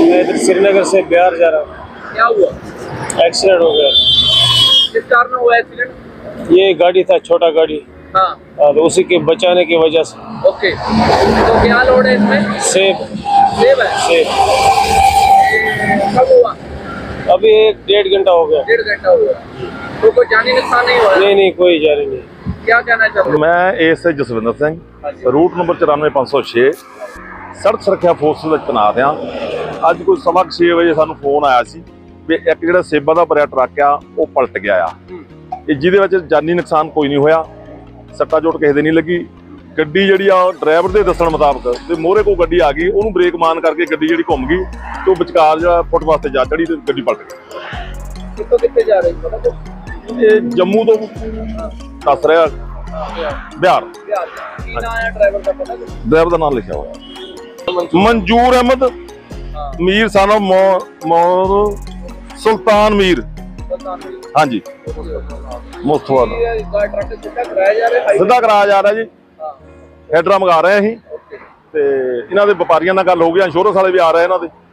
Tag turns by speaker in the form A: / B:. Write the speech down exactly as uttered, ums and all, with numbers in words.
A: मैं इधर श्रीनगर से बिहार जा रहा हूँ।
B: क्या हुआ?
A: एक्सीडेंट हो गया।
B: किस कार में हुआ एक्सीडेंट?
A: ये गाड़ी था, छोटा गाड़ी,
B: हाँ
A: और उसी के बचाने की वजह से।
B: ओके, तो क्या लोड है इसमें?
A: सेब
B: सेब है।
A: सेब
B: कब हुआ?
A: अभी एक डेढ़ घंटा हो गया।
B: डेढ़ घंटा हुआ। तो कोई जानी नुकसान नहीं हुआ?
A: नहीं नहीं, कोई जा रही नहीं।
B: क्या कहना चाहते हो?
C: मैं ASI Jaswinder Singh route number ਚੁਰਾਨਵੇਂ ਪੰਜ ਸੌ ਛੇ ਸੜਕ ਸੁਰੱਖਿਆ ਫੋਰਸ ਵਿੱਚ ਤੈਨਾਤ ਹਾਂ। ਅੱਜ ਕੋਈ ਸਵਾ ਕੁ ਛੇ ਵਜੇ ਸਾਨੂੰ ਫੋਨ ਆਇਆ ਸੀ ਵੀ ਇੱਕ ਜਿਹੜਾ ਸੇਬਾਂ ਦਾ ਭਰਿਆ ਟਰੱਕ ਆ ਉਹ ਪਲਟ ਗਿਆ ਆ, ਇਹ ਜਿਹਦੇ ਵਿੱਚ ਜਾਨੀ ਨੁਕਸਾਨ ਕੋਈ ਨਹੀਂ ਹੋਇਆ, ਸੱਟਾ ਚੋਟ ਕਿਸੇ ਦੇ ਨਹੀਂ ਲੱਗੀ। ਗੱਡੀ ਜਿਹੜੀ ਆ ਡਰਾਈਵਰ ਦੇ ਦੱਸਣ ਮੁਤਾਬਕ ਤੇ ਮੋਹਰੇ ਕੋਈ ਗੱਡੀ ਆ ਗਈ, ਉਹਨੂੰ ਬ੍ਰੇਕ ਮਾਰਨ ਕਰਕੇ ਗੱਡੀ ਜਿਹੜੀ ਘੁੰਮ ਗਈ ਤੇ ਉਹ ਵਿਚਕਾਰ ਜਿਹੜਾ ਫੁੱਟਪਾਥ ਤੇ ਜਾ ਚੜੀ ਤੇ ਗੱਡੀ ਪਲਟ ਗਈ।
B: ਕਿੱਥੋਂ ਕਿੱਥੇ ਜਾ ਰਹੇ ਹੋ? ਪਤਾ
C: ਇਹ ਜੰਮੂ ਤੋਂ ਦੱਸ ਰਿਹਾ ਬਿਹਾਰ।
B: ਬਿਹਾਰ। ਕੀ ਨਾਮ ਹੈ ਡਰਾਈਵਰ ਦਾ? ਪਤਾ ਕੁਛ?
C: ਡਰਾਈਵਰ ਦਾ ਨਾਮ ਲਿਖਿਆ ਹੋਇਆ ਮਨਜੂਰ ਅਹਿਮਦ
B: ਹਾਂ।
C: ਮੀਰ ਸਾਨੋ ਮੌਰ ਸੁਲਤਾਨ ਮੀਰ। ਹਾਂਜੀ ਮੁਸਤਫਾ ਦਾ
B: ਇਹ ਟਰੱਕ ਸਿੱਧਾ ਕਰਾਇਆ ਜਾ ਰਿਹਾ ਹੈ?
C: ਸਿੱਧਾ ਕਰਾਇਆ ਜਾ ਰਿਹਾ ਜੀ।
B: ਹਾਂ
C: ਹੈਡਰਾ ਮੰਗਾ ਰਹੇ ਅਸੀਂ
B: ਓਕੇ।
C: ਤੇ ਇਹਨਾਂ ਦੇ ਵਪਾਰੀਆਂ ਨਾਲ ਗੱਲ ਹੋ ਗਈ, ਇੰਸ਼ੋਰੈਂਸ ਵਾਲੇ ਵੀ ਆ ਰਹੇ ਇਹਨਾਂ ਦੇ।